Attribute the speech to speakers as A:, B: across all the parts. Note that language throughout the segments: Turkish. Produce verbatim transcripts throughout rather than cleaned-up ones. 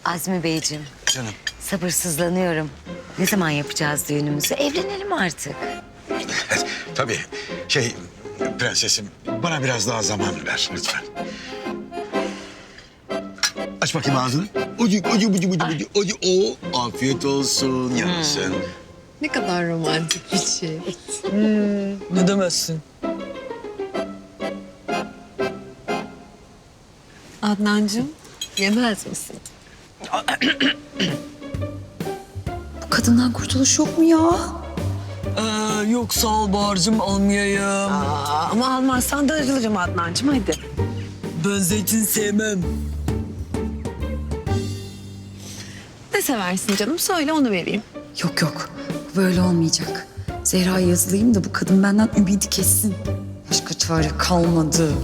A: Azmi Beyciğim,
B: Canım.
A: sabırsızlanıyorum. Ne zaman yapacağız düğünümüzü? Evlenelim artık.
B: Tabii. Şey, prensesim bana biraz daha zaman ver lütfen. Aç bakayım ağzını. Ucu, ucu, ucu, ucu, ucu, ucu. Oo, afiyet olsun yarasın.
C: Ne kadar romantik bir şey.
D: Ne demezsin?
C: Adnancığım, yemez misin?
E: Bu kadından kurtuluş yok mu ya?
D: Ee, yok sağ ol Bahar'cığım, almayayım.
C: Aa, ama almazsan darılırım Adnancığım, hadi.
D: Ben zeytin sevmem.
C: Ne seversin canım? Söyle, onu vereyim.
E: Yok yok. Bu böyle olmayacak. Zehra'ya yazılayım da bu kadın benden ümidi kessin. Başka çare kalmadı.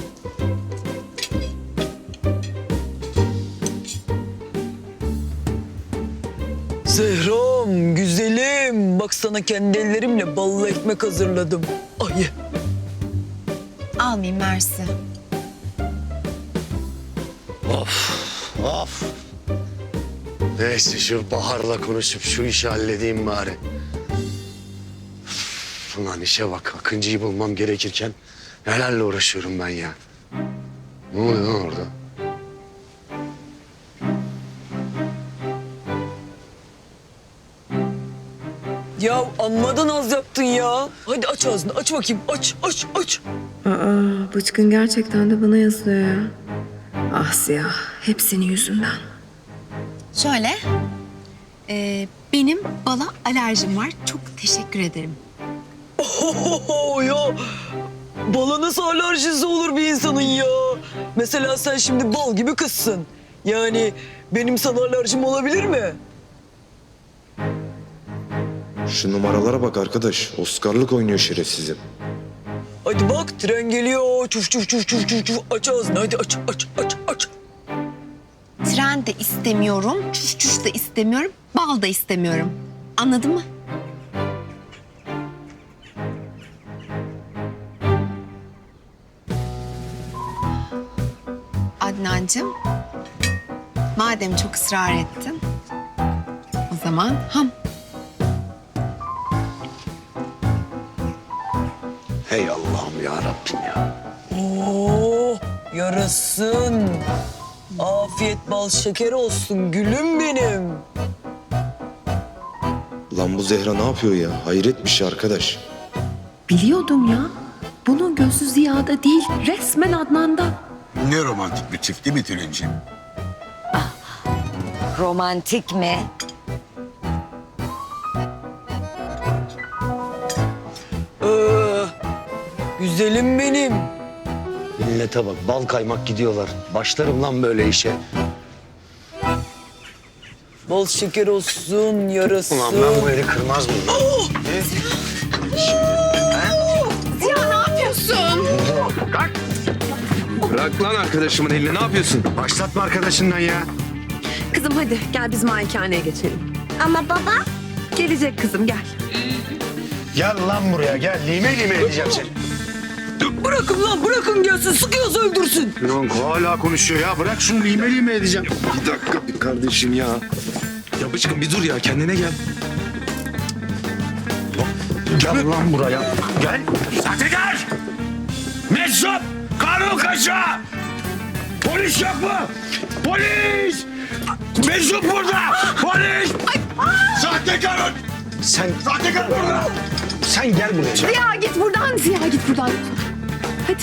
D: Zehram, güzelim. Bak sana kendi ellerimle ballı ekmek hazırladım. Ay.
C: Almayayım, mersi.
F: Of. Neyse şu Bahar'la konuşup şu işi halledeyim bari. Üf, ulan işe bak. Akıncı'yı bulmam gerekirken nelerle uğraşıyorum ben ya. Ne oluyor lan orada?
D: Ya anmadan az yaptın ya. Hadi aç ağzını, aç bakayım. Aç, aç, aç.
C: Aa, Bıçkın gerçekten de bana yazıyor ya. Ah Siyah, hep senin yüzünden.
G: Şöyle, e, benim bala alerjim var. Çok teşekkür ederim.
D: Ohoho ya. Bala nasıl alerjisi olur bir insanın ya? Mesela sen şimdi bal gibi kızsın. Yani benim sana alerjim olabilir mi?
H: Şu numaralara bak arkadaş. Oscar'lık oynuyor şerefsizim.
D: Hadi bak tren geliyor. Çuf çuf çuf çuf çuf çuf. Aç ağzını hadi aç aç aç aç.
G: Tren de istemiyorum, çüş çüş de istemiyorum, bal da istemiyorum. Anladın mı? Adnancığım, madem çok ısrar ettin, o zaman ham.
F: Hey Allah'ım ya Rabbim ya.
D: Oo, yarasın. Afiyet bal şeker olsun gülüm benim.
H: Lan bu Zehra ne yapıyor ya? Hayret bir şey arkadaş.
C: Biliyordum ya. Bunun gözü Ziya'da değil, resmen Adnan'da.
B: Ne romantik bir çift değil mi Tülin'ciğim?
A: Romantik mi?
D: Ee, güzelim benim.
F: Millete bak bal kaymak gidiyorlar. Başlarım lan böyle işe.
D: Bal şeker olsun yarasın.
F: Ulan ben bu eli kırmaz mıyım?
H: Bırak lan arkadaşımın elini, ne yapıyorsun?
F: Başlatma arkadaşından ya.
C: Kızım hadi gel biz malikaneye geçelim.
G: Ama baba...
C: Gelecek kızım, gel.
F: Gel lan buraya gel. Lime lime edeceğim seni.
D: Bırakın lan bırakın gelsin sıkıyorsa öldürsün.
F: Yok hala konuşuyor ya. Bırak şunu lime lime edeceğim.
H: Bir dakika bir kardeşim ya. Ya Bıçkın bir dur ya, kendine gel.
F: Gel lan buraya. Gel. Sahtekar! Meczup! Kanun kaçağı! Polis yok mu? Polis! Meczup burada! Polis! Sahtekar! Sen... Sahtekar burada! Sen gel buraya.
C: Ziya git buradan, Ziya git buradan. Hadi.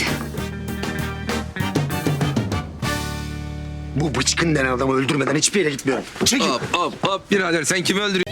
F: Bu bıçkın denen adamı öldürmeden hiçbir yere gitmiyorum. Çekil.
I: Hop hop hop birader sen kimi öldürüyorsun?